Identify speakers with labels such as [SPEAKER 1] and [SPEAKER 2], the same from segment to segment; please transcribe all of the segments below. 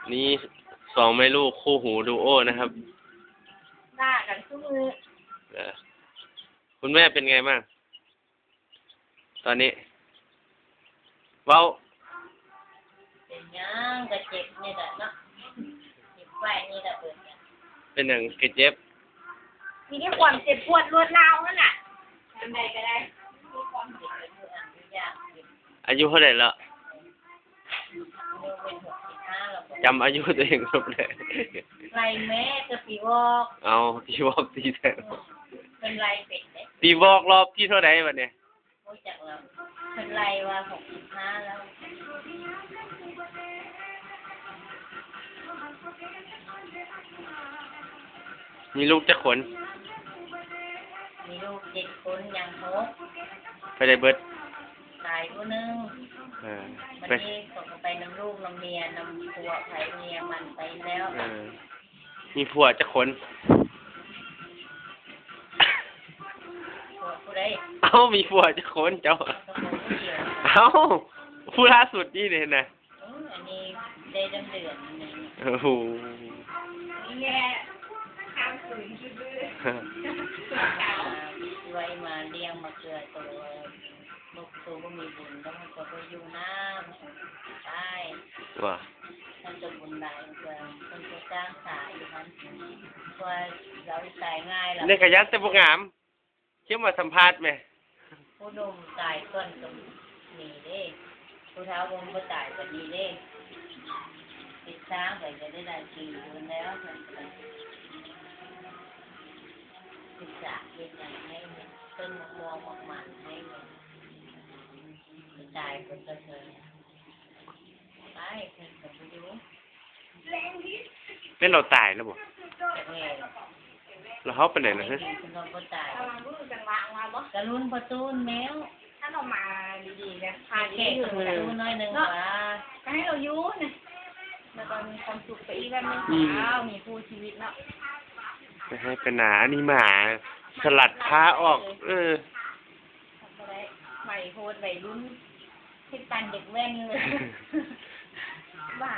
[SPEAKER 1] นี่สองแม่ลูกคู่หูดูโอนะครับ
[SPEAKER 2] ด่ากันทุกมือ
[SPEAKER 1] คุณแม่เป็นไงบ้างตอนนี้เว้า
[SPEAKER 2] เป็นยังก็เจ็บนี่แหละเนาะเจ็บแผลนี่แหละเปิดกัน
[SPEAKER 1] เป็นหนึ่งกระเจ็บ
[SPEAKER 2] มีแค่ความเจ็บปวดรวดร้าวนั่นน่ะทำใดก็ได้มีความเจ็บเป็นอันยาก
[SPEAKER 1] อายุเท่าไหร่แล้ว
[SPEAKER 2] เป็น65แล้ว
[SPEAKER 1] จำอายุตัวเองครบเลย
[SPEAKER 2] ไรแม่จะปีวอก
[SPEAKER 1] เอาปีวอกตีแทน
[SPEAKER 2] เป็นไรเป็ดเนี่ย
[SPEAKER 1] ปีวอกรอบที่เท่าไหร่วันเนี้ย
[SPEAKER 2] โอ้จักแล้วเป็นไรว่า65แล้ว
[SPEAKER 1] มีลูกจะขน
[SPEAKER 2] มีลูก7 คนยัง6
[SPEAKER 1] ไปได้เบิด
[SPEAKER 2] ตายผู้นึง
[SPEAKER 1] ไป
[SPEAKER 2] นี้ส่งไปน้ำลูกน้ำเมียน้ำผัวไผ่เมียมันไปแล้ว
[SPEAKER 1] มีผัวจะขน
[SPEAKER 2] ผัวผู้ใด
[SPEAKER 1] มีผัวจะขนเจ้าผู้ล่าสุดนี่เลยนะ
[SPEAKER 2] อันนี้ได้เดือนนี่
[SPEAKER 1] โอ้โห
[SPEAKER 2] แย่ข้ามคืนดื้อไว้มาเลี้ยงมาเกลือตัวลูกตัวก็มีบุญแล้วมันก็ไปอยู่น้ำใช่
[SPEAKER 1] ว่า
[SPEAKER 2] มันจะบุญได้เพื่อคนจะจ้างสายอยู่นั้นเพื่อเราตายง่ายแล้ว
[SPEAKER 1] ในขยันแต่พวกงามเชื่อมาสัมภาษณ์ไหม
[SPEAKER 2] ผู้นมตายก่อนก็มีเด้ผู้เท้าวงก็ตายก็ดีเด้ติดช้างก็จะได้4 เดือนแล้วติดจากเป็นอย่างให้ต้นมวงหมันให้ตายคนก็เคยตายคนก็ไม่รู้
[SPEAKER 1] เป็นเราตายแล้วบ่
[SPEAKER 2] จากแม่
[SPEAKER 1] เราเขาเป็นไหนนะฮะ
[SPEAKER 2] เราก็ตายกระลุ้นประตูนแมวถ้าเรามาดีๆนะพาแขกกระลุ้นน้อยนึงว่าก็ให้เราอยู่นะแล้วก็มีความสุขไปอีกแบบนึงมีผู้ชีวิตเนาะ
[SPEAKER 1] ไม่ให้เป็นหนานี่หมาสลัดผ้าออก
[SPEAKER 2] ใหม่โหดใหม่รุ่นให้ปันเด็กแว่นเลยบ้า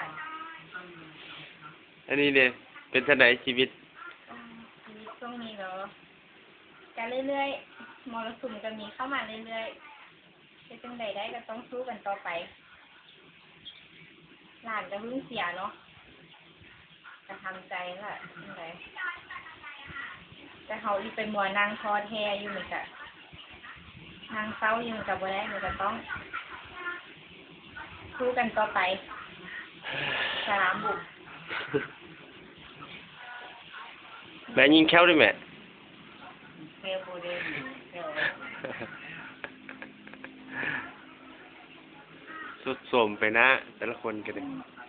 [SPEAKER 1] อันนี้เนี่ยเป็นท่าไหนชีวิต
[SPEAKER 2] ช่วงนี้เนาะกันเรื่อยๆมรสุมจะมีเข้ามาเรื่อยๆจะจังใดได้ก็ต้องสู้กันต่อไปหลานจะเพิ่งเสียเนาะจะทำใจแหละจังใดแต่เขาอีไปมัวนางคอแทอยู่เหมือนกันนางเศร้าอยู่กับบ่ได้มันจะต้องสู้กันต่อไปสลามบุก
[SPEAKER 1] แม่ยิงแค้วด้วยแม่
[SPEAKER 2] แค้วบูเดน
[SPEAKER 1] สุดโสมไปนะแต่ละคนกันเลย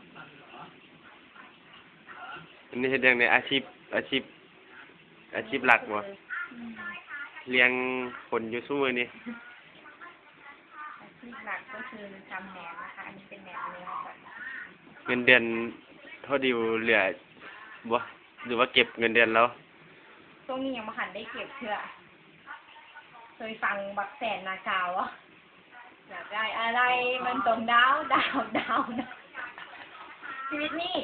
[SPEAKER 1] อันนี้เห็นอย่างในอาชีพหลักวะเลี้ยงคนอยู่สู้มือนี่
[SPEAKER 2] อาชีพหลักก็คือทำแหนมนะคะอันนี้เป็นแหนมเนื้อค่ะ
[SPEAKER 1] เงินเดือนเท่าดิวเหลือบ่หรือว่าเก็บเงินเดือนแล้ว
[SPEAKER 2] ช่วงนี้ยังไม่หันได้เก็บเพื่อเคยฟังบักแสนนากาวะอยากได้อะไรมันตรงดาวนะชีวิตนี่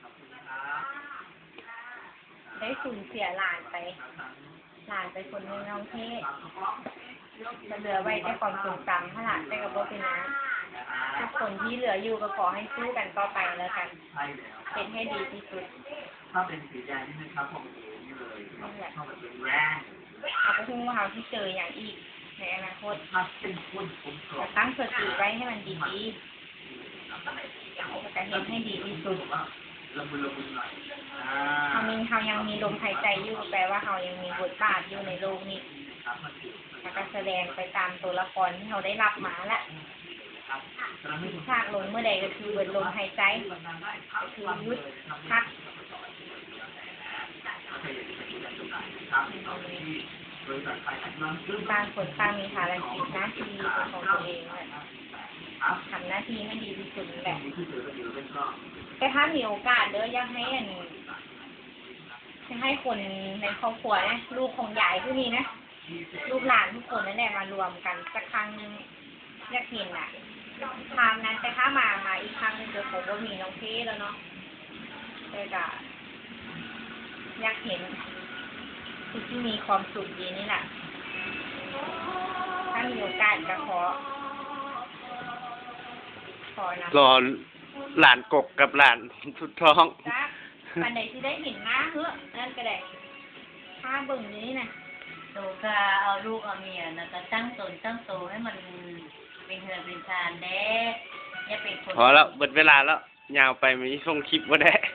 [SPEAKER 2] ได้สูญเสียหลานไปคนนึงน้องเทศจะเหลือไว้แต่ความทรงจำถ้าหลานได้กับโบเป็นนะทุกคนที่เหลืออยู่ก็ขอให้สู้กันต่อไปแล้วกันเป็นให้ดีที่สุด
[SPEAKER 3] ถ้าเป็นสีแดงนี่นะครับผมนี่เลยเข้ามาเป็นแรง
[SPEAKER 2] เอาไปทุ่งมะพร้าวที่เจออย่างอีกในอนาคตจะตั้งสติไว้ให้มันดีๆจะเห็นให้ดีที่สุดเขายังมีลมหายใจอยู่แปลว่าเขายังมีบทบาทอยู่ในโลกนี้แล้วก็แสดงไปตามตัวละครที่เขาได้รับมาแหละฉากลงเมื่อใดก็คือเบิดลมหายใจก็คือยุดพักต่างคนต่างมีภารกิจหน้าที่ของตัวเองทำหน้าที่ให้ดีที่สุดแหละแต่ถ้ามีโอกาสเด้ออยากให้คนในครอบครัวนะลูกของยายผู้นี้นะลูกหลานทุกคนนั่นแหละมารวมกันสักครั้งนึงอยากเห็นทางนั้นแต่ถ้ามาอีกครั้งนึงเดี๋ยวผมก็มีน้องเทแล้วเนาะเลยก็อยากเห็นผู้ที่มีความสุขดีนี่แหละถ้ามีโอกาสก็ขอนะ
[SPEAKER 1] รอหลานกกกับหลานสุดท้อง
[SPEAKER 2] จ้าปันไหนที่ได้เห็นหน้าเฮ้อนั่นก็ได้ถ้าเบิ่งนี้นะ
[SPEAKER 4] โตก็เอาลูกเอาเมียนะก็ตั้งตนตั้งโตให้มันเป็นเฮือนเป็นชานเด้อย่าเป็นคน
[SPEAKER 1] พอแล้วเบิดเวลาแล้วยาวไปมีส่งคลิปบ่ได้